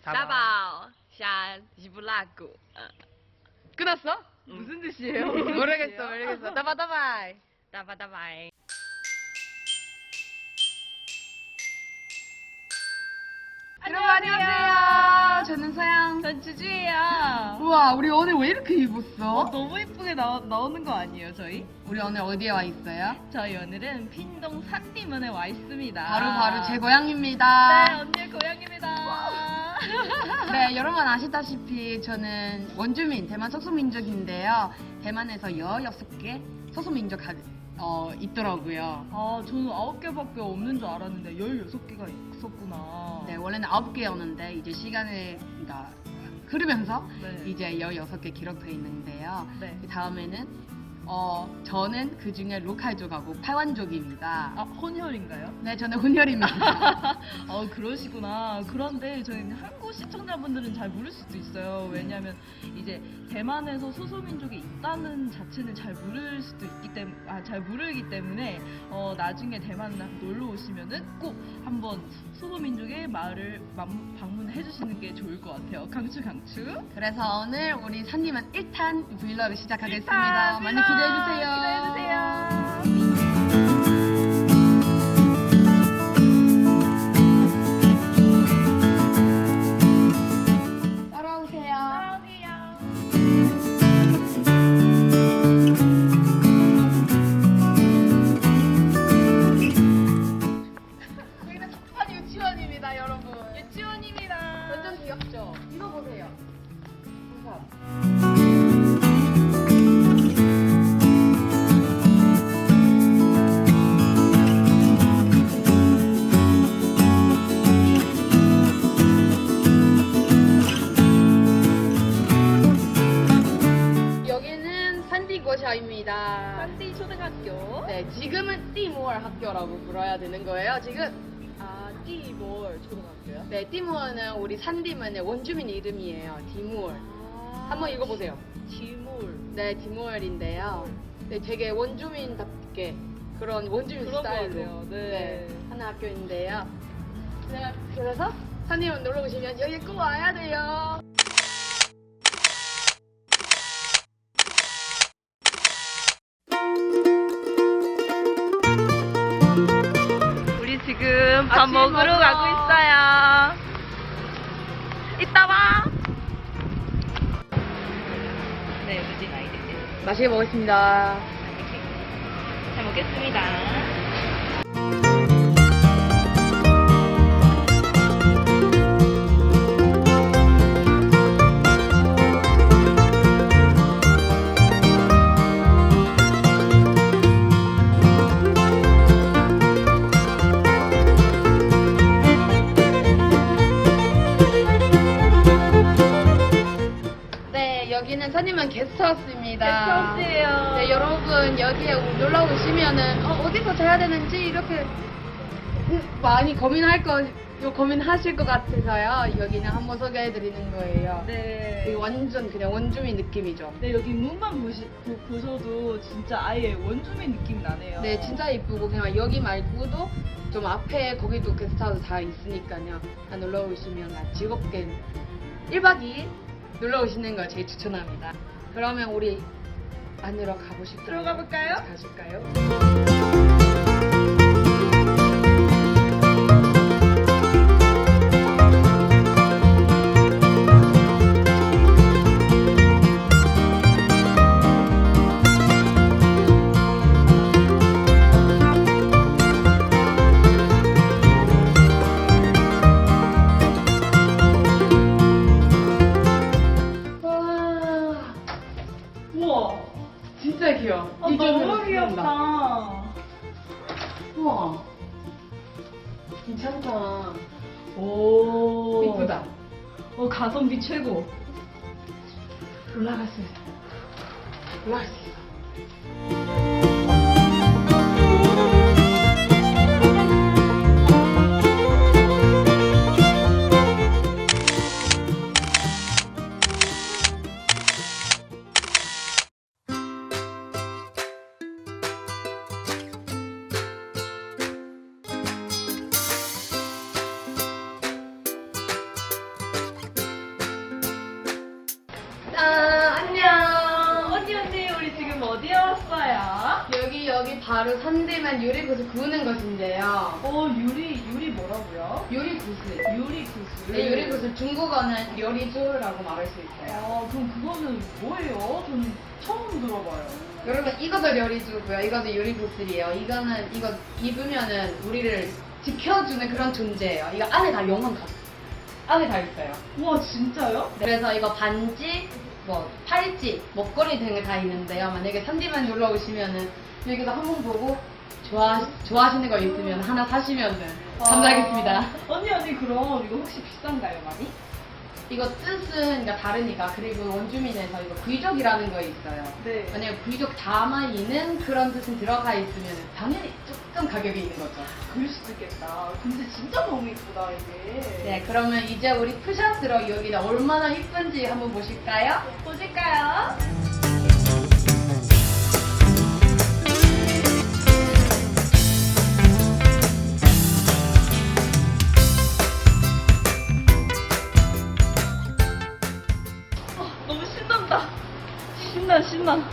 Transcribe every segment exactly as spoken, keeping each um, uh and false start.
다바오 샤 지불라구. 끝났어? 응. 무슨 뜻이에요? 모르겠어, 모르겠어. 다바 다바이. 다바다바이. 여러분 안녕하세요. 저는 서양. 전 주주예요. 우와, 우리 오늘 왜 이렇게 입었어? 어, 너무 예쁘게 나, 나오는 거 아니에요, 저희? 우리 오늘 어디에 와 있어요? 저희 오늘은 핀동 산디문에 와 있습니다. 바로 바로 제 고향입니다. 네, 언니의 고향입니다. 네, 여러분 아시다시피 저는 원주민 대만 소수민족인데요. 대만에서 열여섯 개 소수민족 가, 어, 있더라고요. 아, 저는 아홉 개밖에 없는 줄 알았는데 열여섯 개가 있었구나. 네, 원래는 아홉 개였는데 이제 시간이 그러니까 흐르면서 네. 이제 열여섯 개 기록되어 있는데요. 네. 그 다음에는 어, 저는 그 중에 로칼족하고 파완족입니다. 아, 혼혈인가요? 네, 저는 혼혈입니다. 어, 그러시구나. 그런데 저희 한국 시청자분들은 잘 모를 수도 있어요. 왜냐하면 이제 대만에서 소수민족이 있다는 자체는 잘 모를 수도 있기 때문에, 아, 잘 모르기 때문에 어, 나중에 대만 놀러 오시면은 꼭 한번 소수민족의 마을을 맘- 방문해 주시는 게 좋을 것 같아요. 강추 강추. 그래서 오늘 우리 산님은 일 탄 브이로그 시작하겠습니다. 일단 많이 기대해주세요. 기대해주세요. 따라오세요. 안녕하세요. 저희는 첫판 유치원입니다, 여러분. 유치원입니다. 완전 귀엽죠? 이거 보세요. 우선. 여기는 산디고샤입니다. 산디 초등학교. 네, 지금은 띠모얼 학교라고 불러야 되는 거예요. 지금 아, 띠몰 초등학교요? 네, 띠모얼은 우리 산디문의 원주민 이름이에요. 디모얼. 아, 한번 읽어보세요. 디몰. 네, 디모얼인데요. 네, 되게 원주민답게 그런 원주민 그런 것 스타일로 같아요. 네. 하는 학교인데요. 네, 그래서 산디문 놀러 오시면 여기 꼭 와야 돼요. 우리 지금 밥 아침 먹으러 먹으러. 가고 있어요. 이따 봐. 네, 우리 아이들 맛있게 먹겠습니다. 잘 먹겠습니다. 네, 여기는 산디문 게스트하우스입니다. 게스트하우스예요. 네, 여러분 여기에 놀러 오시면은 어, 어디서 자야 되는지 이렇게 음, 많이 고민할 거, 요 고민하실 것 같아서요. 여기는 한번 소개해드리는 거예요. 네. 여기 완전 그냥 원주민 느낌이죠. 네, 여기 문만 보시, 보, 보셔도 진짜 아예 원주민 느낌이 나네요. 네, 진짜 이쁘고 그냥 여기 말고도 좀 앞에 거기도 게스트하우스 다 있으니까요. 다 놀러 오시면 다 즐겁게 일 박 이 일 놀러 오시는 걸 제일 추천합니다. 그러면 우리 안으로 가보실까요? 들어가 볼까요? 가실까요? 와, 우와. 진짜 귀여워. 아, 이 정도로 너무 귀여운다. 귀엽다. 우와, 괜찮다. 오. 이쁘다. 어, 가성비 최고. 올라갈 수 있어. 올라갈 수 있어. 우리 여기 바로 산디맨 유리구슬 구우는 것인데요. 어 유리 유리 뭐라고요? 유리구슬. 유리 구슬. 네, 유리구슬 중국어는 요리조라고 말할 수 있어요. 아 그럼 그거는 뭐예요? 저는 처음 들어봐요. 여러분 이것도 요리조고요. 이것도 유리구슬이에요. 이거는 이거 입으면은 우리를 지켜주는 그런 존재예요. 이거 안에 다 영혼 가 안에 다 있어요. 와 진짜요? 그래서 이거 반지, 뭐 팔찌, 목걸이 등을 다 있는데요. 만약에 산디만 놀러 오시면은 여기서 한번 보고 좋아 좋아하시는 거 있으면 하나 사시면은 감사하겠습니다. 아, 언니 언니 그럼 이거 혹시 비싼가요 많이? 이거 뜻은 그러니까 다르니까. 그리고 원주민에서 이거 귀족이라는 거 있어요. 네. 만약에 귀족 다마이는 그런 뜻은 들어가 있으면 당연히 조금 가격이 있는 거죠. 그럴 수도 있겠다. 근데 진짜 너무 이쁘다 이게. 네, 그러면 이제 우리 푸샷으로 여기가 얼마나 이쁜지 한번 보실까요? 보실까요? 어, 너무 신난다. 신나 신나.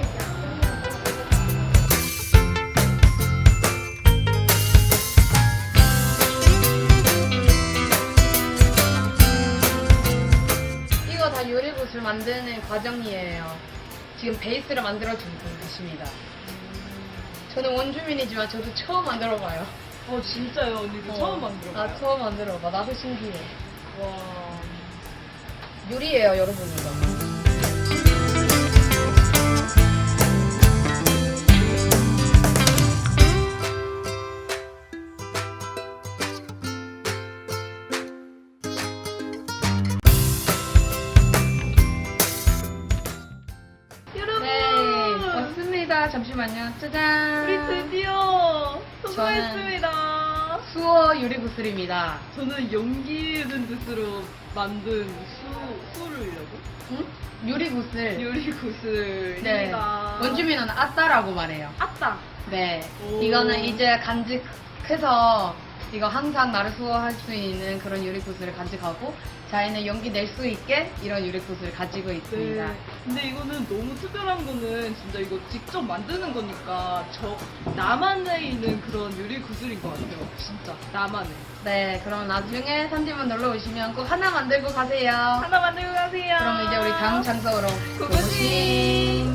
이거 다 요리구슬 만드는 과정이에요. 지금 베이스를 만들어주고 계십니다. 저는 원주민이지만 저도 처음 만들어봐요. 어 진짜요 언니 이거 처음 만들어봐요. 나 처음 만들어봐. 나도 신기해. 와. 유리예요, 여러분 이거. 여러분. 네, 왔습니다. 잠시만요. 짜잔. 우리 드디어 성공했습니다. 수어 유리구슬입니다. 저는 용기 있는 뜻으로 만든 수 수를려고 응? 유리구슬. 요리 구슬입니다. 네. 원주민은 아따라고 말해요. 아따. 네. 오. 이거는 이제 간직해서 이거 항상 나를 수호할 수 있는 그런 유리구슬을 간직하고 자기는 용기 낼 수 있게 이런 유리구슬을 가지고 있습니다. 네. 근데 이거는 너무 특별한 거는 진짜 이거 직접 만드는 거니까 저 나만에 있는 그런 요리 구슬인 것 같아요. 진짜 나만의. 네, 그럼 나중에 산디문 놀러 오시면 꼭 하나 만들고 가세요. 하나 만들고 가세요. 그럼 이제 우리 다음 장소로 고고싱.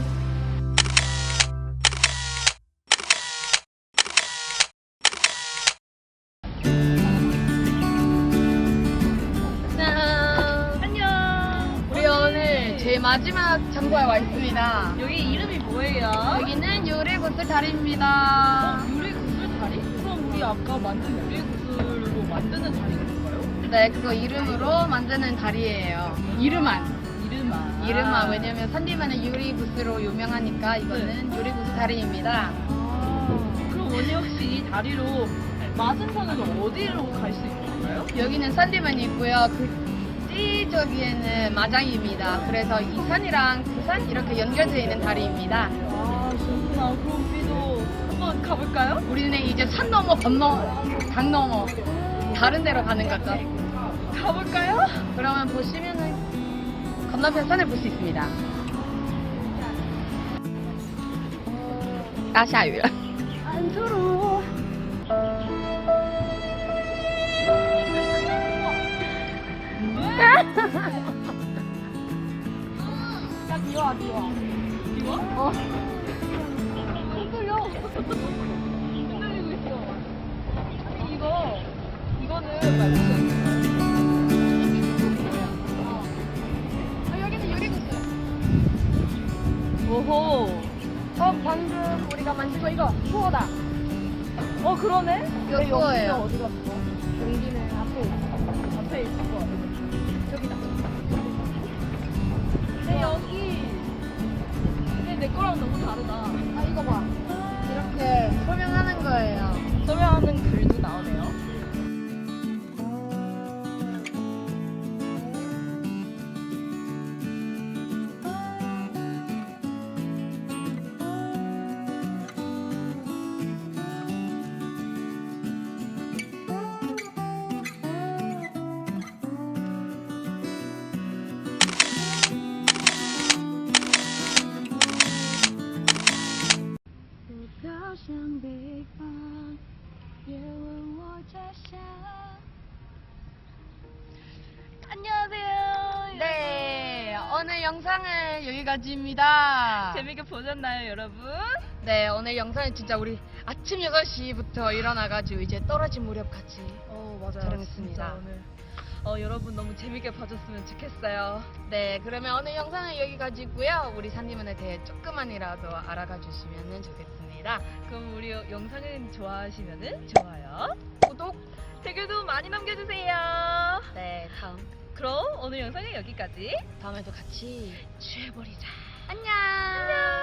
짠! 안녕. 우리 오늘 제일 마지막 장소에 와 있습니다. 여기 이름이 뭐예요? 여기는 유리구슬 다리입니다. 어, 요리 구슬 다리? 그럼 우리 아까 만든 요리 구슬로 만드는 다리인 건가요? 네, 그거 이름으로 만드는 다리예요. 이름만. 이름아. 이름만. 왜냐면 산디만은 유리구슬로 유명하니까 이거는 네. 유리구슬 다리입니다. 아, 그럼 언니 혹시 이 다리로 마산산으로 어디로 갈 수 있는 건가요? 여기는 산디만이 있고요. 그 뒤저기에는 마장입니다. 그래서 이 산이랑 그 산 이렇게 연결되어 있는 다리입니다. 아, 좋구나. 그럼 우리도 한번 가볼까요? 우리는 이제 산 넘어 건너 강 넘어 다른 데로 가는 거죠. 가볼까요? 그러면 보시면은 건너편 산을 볼 수 있습니다. 要下雨了。 안 서러워. 야, 비와, 비와. 비와? 어. 흔들려. 흔들리고 있어. 아니, 이거, 이거는 말고. 아, 여기는 유리구슬. 오호. 어, 방금 우리가 만진 거 이거 수어다. 어, 그러네? 이거 내 수어예요. 용기는 어디 갔어? 용기는 앞에 있어. 앞에 있을 거 같아. 저기다. 근데 여기. 근데 내 거랑 너무 다르다. 아, 이거 봐. 이렇게 설명하는 거예요. 설명하는 글도 나오네요. 오늘 영상은 여기까지입니다. 재밌게 보셨나요, 여러분? 네, 오늘 영상은 진짜 우리 아침 여섯 시부터 일어나가지고 이제 떨어진 무렵까지 어, 맞아요. 촬영했습니다. 진짜 오늘 어, 여러분 너무 재밌게 봐줬으면 좋겠어요. 네, 그러면 오늘 영상은 여기까지고요. 우리 산디문에 대해 조금만이라도 알아가 주시면 좋겠습니다. 그럼 우리 영상을 좋아하시면은 좋아요, 구독, 댓글도 많이 남겨주세요. 네, 다음 그럼 오늘 영상은 여기까지. 다음에도 같이 취해버리자. 안녕.